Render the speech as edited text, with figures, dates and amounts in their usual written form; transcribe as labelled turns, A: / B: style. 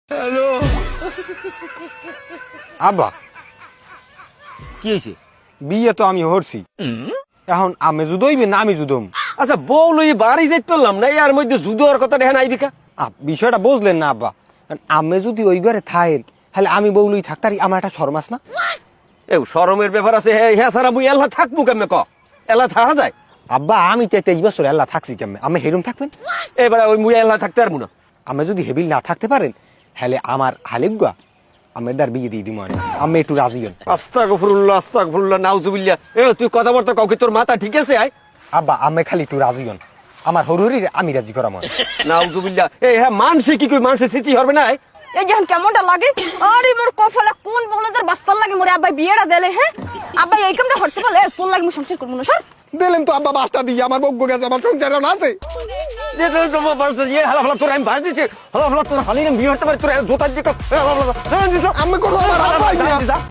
A: আব্বা
B: কি হয়েছে?
A: বিয়ে তো আমি হরছি, এখন আমি জুদইবে না আমি জুদম?
B: আচ্ছা বউ লই বাড়ি যাইতে পারলাম না, এর মধ্যে জুদোর কথা দেখেন আইবিকা।
A: বিষয়টা বুঝলেন না আব্বা? আমি যদি ওই ঘরে থাকেন তাহলে আমি বউ লই থাকতারি, আমার একটা শরমাস না?
B: এ শরমের ব্যাপার আছে, হ্যাঁ সারা মুই এল্লা থাকবো কেমনে ক? এল্লা থাকা যায়?
A: আব্বা আমি চাই 23 বছর আল্লাহ থাকছি কেমন, আমি হেরুম থাকবেন?
B: এবার ওই মুই এল্লা থাকতে পারবো না।
A: আমি যদি হেবিল না থাকতে পারেন হলে আমার হালিগুয়া আমি দার বিয়ে দিয়ে দিব, আমি একটু রাজি হন।
B: আস্তাগফিরুল্লাহ নাউজুবিল্লাহ। এ তুই কথাবার্তা কাউকে, তোর মাথা ঠিক আছে? আয়
A: আব্বা আমি খালি একটু রাজি হন, আমার হরুরি আমি রাজি করা মনে।
B: নাউজুবিল্লাহ। এই হ্যাঁ মানসে কি কই, মানসে সিচি হবে না?
C: এই যখন কেমনটা লাগে, আরে মোর কপালে কোন বলদের বাস্তার লাগে মোরে আব্বাই বিয়েটা দেলে। হ্যাঁ আব্বাই এই কামটা করতে পারলে তোর লাগে মু সংসার করব না। সর
A: দিলেন তো আব্বা বাসটা দিয়ে, আমার বগ্য গেছে, আমার সংসার আছে।
B: যে তোমার বাড়িতে যে হালা তোর আমি বাড়ি দিচ্ছি, হালা তোর হালির বিয়ে হতে পারে, তোর জোতার দিকে
A: আমি কোনো আমার আব্বাই না।